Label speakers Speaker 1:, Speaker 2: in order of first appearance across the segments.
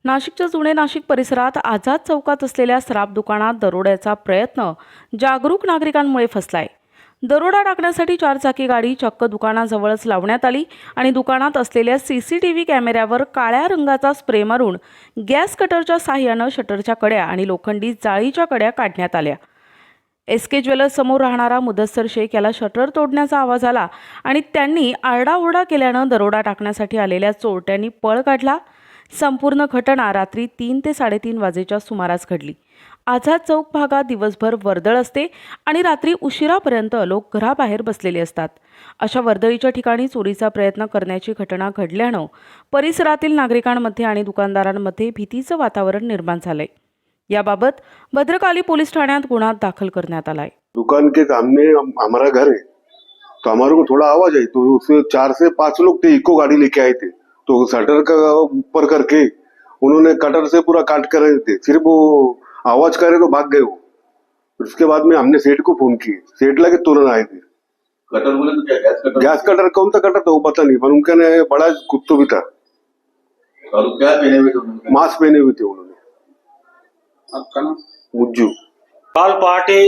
Speaker 1: नाशिकच्या जुने नाशिक परिसरात आझाद चौकात असलेल्या सराफ दुकानात दरोड्याचा प्रयत्न जागरूक नागरिकांमुळे फसलाय। दरोडा टाकण्यासाठी चारचाकी गाडी चक्क दुकानाजवळच लावण्यात आली आणि दुकानात असलेल्या सीसीटीव्ही कॅमेऱ्यावर काळ्या रंगाचा स्प्रे मारून गॅस कटरच्या साहाय्याने शटरच्या कड्या आणि लोखंडी जाळीच्या कड्या काढण्यात आल्या। एसके ज्वेलर्स समोर राहणारा मुदस्सर शेख याला शटर तोडण्याचा आवाज आला आणि त्यांनी आरडाओरडा केल्यानं दरोडा टाकण्यासाठी आलेल्या चोरट्यांनी पळ काढला। संपूर्ण घटना रात्री 3 ते 3:30 वाजेच्या सुमारास घडली। आझाद चौक भागात दिवसभर वर्दळ असते आणि रात्री उशिरापर्यंत लोक घराबाहेर बसलेले असतात। अशा वर्दळीच्या ठिकाणी चोरीचा प्रयत्न करण्याची घटना घडल्यानं परिसरातील नागरिकांमध्ये आणि दुकानदारांमध्ये भीतीचं वातावरण निर्माण झालंय। याबाबत भद्रकाली पोलीस ठाण्यात गुन्हा दाखल करण्यात आलाय।
Speaker 2: दुकान के सामने हमारा घर है, तो हमारे को थोड़ा आवाज आई, तो उसमें 4 से 5 लोग थे, इको गाड़ी लेके आए थे। तो शटर का ऊपर करके उन्होंने कटर से पूरा काट कर रहे थे। फिर वो आवाज करे तो भाग गए वो। उसके बाद में हमने सेठ को फोन किए, सेठ लगे तुरंत आए थे।
Speaker 3: कटर बोले तो क्या गैस कटर?
Speaker 2: गैस कटर कौन सा कटर था वो पता नहीं, पर उनका ने बड़ा कुत्तो भी था।
Speaker 3: और क्या पहने हुए थे उन्होंने?
Speaker 2: मास्क पहने हुए थे उन्होंने।
Speaker 3: आपका नाम?
Speaker 2: मुज्जू।
Speaker 4: काल पहाटे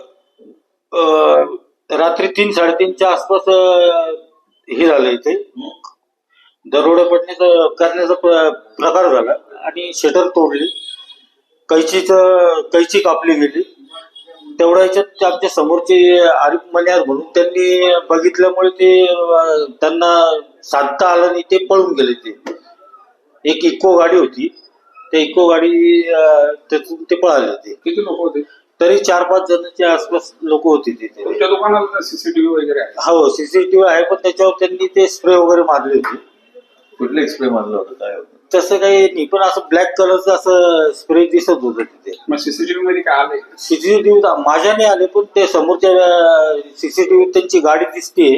Speaker 4: रात्री 3-3:30च्या आसपास हे झालं, इथे दरोडा करण्याचा प्रकार झाला आणि शटर तोडली, कैची कापली गेली। तेवढ्या याच्यात आमच्या समोरचे आरिफ मनियार म्हणून त्यांनी बघितल्यामुळे त्यांना साधता आलं नाही, ते पळून गेले। ते एक इको गाडी होती, ते इको गाडी त्यातून ते पळाले। ते
Speaker 3: किती लोक होते?
Speaker 4: तरी 4-5 जणांच्या आसपास लोक होती तिथे।
Speaker 3: तुमच्या दुकानाला सीसीटीव्ही वगैरे आहे?
Speaker 4: हो, सीसीटीव्ही आहे, पण त्याच्यावर त्यांनी ते स्प्रे वगैरे मारले होते।
Speaker 3: कुठले स्प्रे मारलं होतं? काय होतं?
Speaker 4: तसं काही नाही, पण असं ब्लॅक कलरचं असं स्प्रे दिसत होतं तिथे।
Speaker 3: मग सीसीटीव्ही मध्ये काय आले?
Speaker 4: सीसीटीव्ही माझ्या नाही आले, पण ते समोरच्या सीसीटीव्ही त्यांची गाडी दिसते,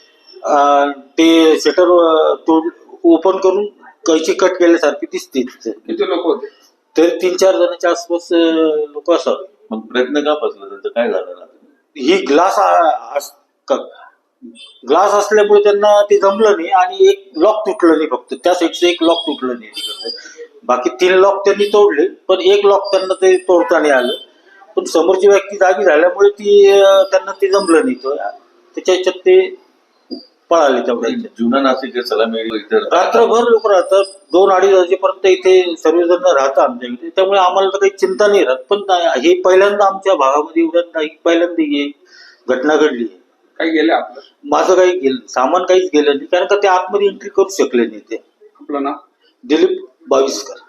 Speaker 4: ते शटर ओपन करून कैची कट केल्यासारखी दिसते तिथे।
Speaker 3: किती लोक होते?
Speaker 4: तरी 3-4 जणांच्या आसपास लोक असावे।
Speaker 3: मग प्रयत्न का फसला त्यांचं? काय झालं?
Speaker 4: ही ग्लास असल्यामुळे त्यांना ते जमलं नाही आणि एक लॉक तुटलं नाही, फक्त त्या साईडचं एक लॉक तुटलं नाही तिकडचं। बाकी 3 लॉक त्यांनी तोडले, पण एक लॉक त्यांना ते तोडता नाही आलं। पण समोरची व्यक्ती जागी झाल्यामुळे त्यांना ते जमलं नाही, त्याच्या ह्याच्यात ते पळाले। तेवढ्या
Speaker 3: जुना नाशिक सलामी इथे
Speaker 4: रात्रभर लोक राहतात, 2-2:30 वाजेपर्यंत इथे सर्वजण राहतात आमच्या इथे, त्यामुळे आम्हाला तर काही चिंता नाही राहत। पण हे पहिल्यांदा आमच्या भागामध्ये पहिल्यांदा ही घटना घडली।
Speaker 3: काही गेले आपलं?
Speaker 4: माझं काही गेलं सामान काहीच गेलं नाही, कारण का ते आतमध्ये एंट्री करू शकले नाही। ते
Speaker 3: आपलं नाव?
Speaker 4: दिलीप बाविस्कर।